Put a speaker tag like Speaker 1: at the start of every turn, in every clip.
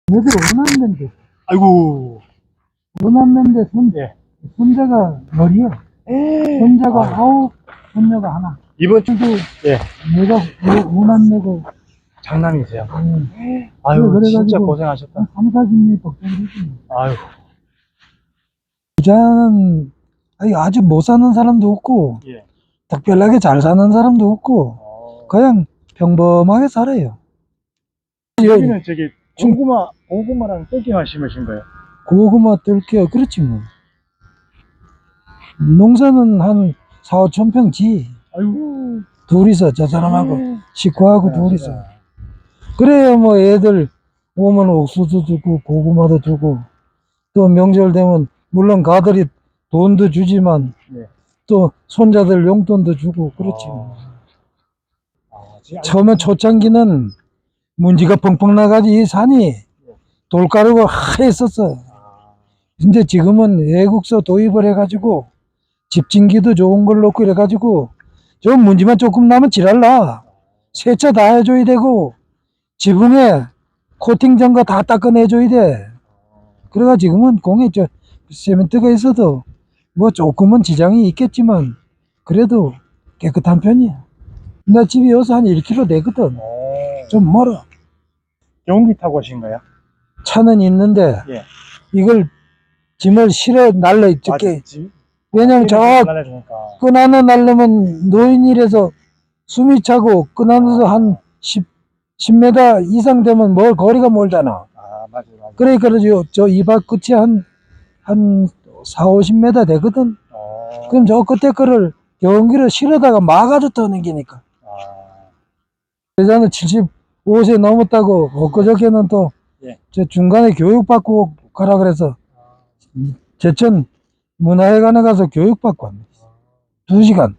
Speaker 1: 얘들 원한면대,
Speaker 2: 아이고.
Speaker 1: 원한면대
Speaker 2: 예.
Speaker 1: 손자가 열이요. 손자가 아홉, 손녀가 하나.
Speaker 2: 이번 주,
Speaker 1: 그래도
Speaker 2: 예.
Speaker 1: 내가 원한내고,
Speaker 2: 장남이세요.
Speaker 1: 아유,
Speaker 2: 아유, 진짜 고생하셨다.
Speaker 1: 3, 40년 걱정을 했지.
Speaker 2: 아유.
Speaker 1: 부자는 아주 못 사는 사람도 없고,
Speaker 2: 예.
Speaker 1: 특별하게 잘 사는 사람도 없고, 그냥 평범하게 살아요.
Speaker 2: 여기는 저기, 고구마랑 땡기만 심으신 거예요?
Speaker 1: 고구마 뜰게요. 그렇지 뭐. 농사는 한 4, 5천 평지.
Speaker 2: 아이고.
Speaker 1: 둘이서 저 사람하고 식구하고 둘이서.
Speaker 2: 아,
Speaker 1: 그래야 뭐 애들 오면 옥수수 주고 고구마도 주고 또 명절 되면 물론 가들이 돈도 주지만
Speaker 2: 네.
Speaker 1: 또 손자들 용돈도 주고 그렇지 뭐.
Speaker 2: 지금
Speaker 1: 처음에 초창기는 문지가 펑펑 나가지 이 산이 돌가루가 하했었어. 근데 지금은 외국서 도입을 해가지고 집진기도 좋은 걸 놓고 이래가지고 좀 문지만 조금 나면 지랄나. 세차 다 해줘야 되고 지붕에 코팅 전거 다 닦아내줘야 돼. 그래가 지금은 공에 세멘트가 있어도 뭐 조금은 지장이 있겠지만 그래도 깨끗한 편이야. 나 집이 여기서 한 1km 되거든. 좀 멀어.
Speaker 2: 경기 타고 오신 거예요?
Speaker 1: 차는 있는데
Speaker 2: 예.
Speaker 1: 이걸 짐을 실어 날려 있게. 왜냐면 저
Speaker 2: 날려주니까.
Speaker 1: 끈 하나 날려면 노인이라서 숨이 차고 끈 하나서 한 10m 이상 되면 거리가 멀잖아.
Speaker 2: 맞아요.
Speaker 1: 그러니까 저 이발 끝이 한 4, 50m 되거든. 그럼 저 끝에 거를 경기를 실어다가 막아서 떠넘기니까. 여자는 75세 넘었다고 엊그저께는 또 저 중간에 교육받고 가라 그래서 제천 문화회관에 가서 교육받고 왔네. 2시간.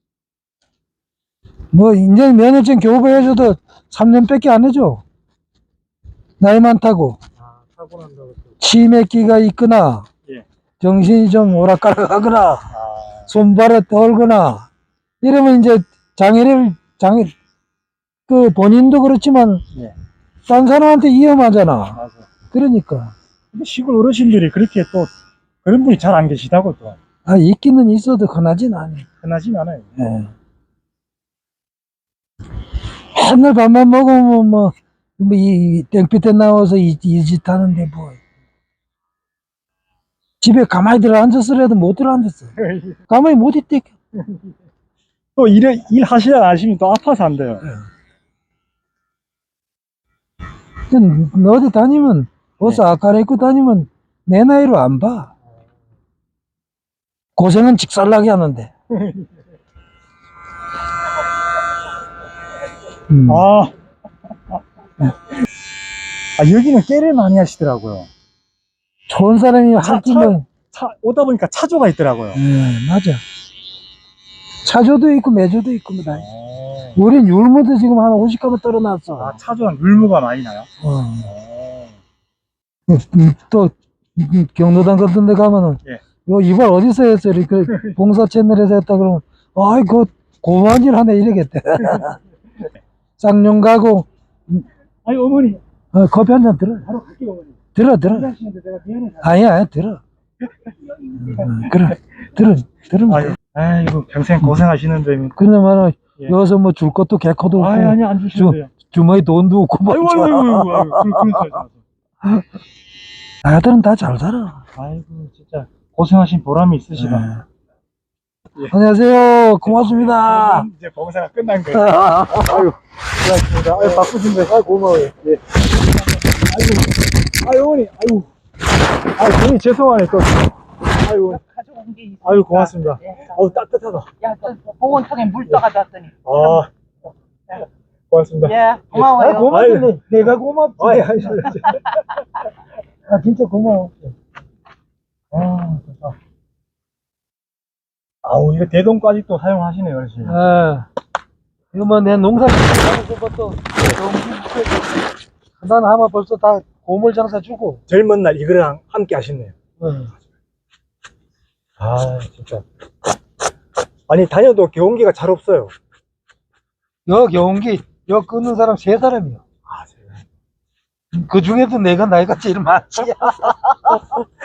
Speaker 1: 뭐 이제 면허증 교부해줘도 3년밖에 안 해줘. 나이 많다고.
Speaker 2: 타고 난다고.
Speaker 1: 치매기가 있거나 정신이 좀 오락가락하거나 손발에 떨거나 이러면 이제 그 본인도 그렇지만 딴 사람한테 위험하잖아.
Speaker 2: 맞아.
Speaker 1: 그러니까.
Speaker 2: 근데 시골 어르신들이 그렇게 또 그런 분이 잘 안 계시다고 또.
Speaker 1: 있기는 있어도 흔하진 않아.
Speaker 2: 흔하진 않아요.
Speaker 1: 예. 맨날 밥만 먹으면 이 땡볕에 나와서 이 짓 하는데 뭐. 집에 가만히 들어 앉았으라도 못 들어 앉았어. 가만히 못 있대.
Speaker 2: 또 일 하시다 나시면 또 아파서 안 돼요.
Speaker 1: 너 어디 다니면 옷 아까라 입고 다니면 내 나이로 안 봐. 고생은 직살나게 하는데.
Speaker 2: 여기는 깨를 많이 하시더라고요.
Speaker 1: 좋은 사람이 할 끼면
Speaker 2: 오다 보니까 차조가 있더라고요.
Speaker 1: 맞아. 차조도 있고 매조도 있고 뭐 다. 우린 율무도 지금 한 50가마 떨어놨어.
Speaker 2: 차조는 율무가 많이 나요?
Speaker 1: 또 경로당 같은 데 가면은 이발 어디서 했어? 이렇게 봉사 채널에서 했다 그러면 아이고 고마운 일 하네 이러겠대. 쌍용 가고
Speaker 2: 어머니
Speaker 1: 커피 한 잔 들어.
Speaker 2: 바로 갈게요. 어머니
Speaker 1: 들어
Speaker 2: 하시는데 내가 미안해서.
Speaker 1: 아니야 들어. 그래 들으면 돼.
Speaker 2: 아이고 평생 고생하시는데.
Speaker 1: 근데 말은 여기서 뭐 줄 것도 개코도 없고
Speaker 2: 아니 안 주시는데요.
Speaker 1: 주머니 돈도 없고 뭐.
Speaker 2: 아이고.
Speaker 1: 아들은 다 잘 살아.
Speaker 2: 아이고 진짜 고생하신 보람이 있으시다.
Speaker 1: 안녕하세요. 고맙습니다.
Speaker 2: 이제 봉사가 끝난 거예요. 아유, 고맙습니다. 아유, 바쁘신데. 아유, 고마워요. 예. 아이고, 어머니, 아이고. 괜히 죄송하네, 또. 아이고.
Speaker 3: 가져온 게 있으니까.
Speaker 2: 아유, 고맙습니다. 아유, 따뜻하다.
Speaker 3: 야, 보온통에 물 떠가지고 왔더니.
Speaker 2: 고맙습니다.
Speaker 3: 예, 고마워요.
Speaker 1: 고맙네. 내가 고맙지. 진짜 고마워.
Speaker 2: 좋다. 이거 대동까지 또 사용하시네요, 어르신.
Speaker 1: 이거 뭐 내 농사 짓는 것도 난 아마 벌써 다 고물 장사 주고.
Speaker 2: 젊은 날 이거랑 함께 하셨네요. 진짜. 아니, 다녀도 경운기가 잘 없어요.
Speaker 1: 경운기, 끊는 사람 3사람이요. 그 중에도 내가 나이가 제일 많지.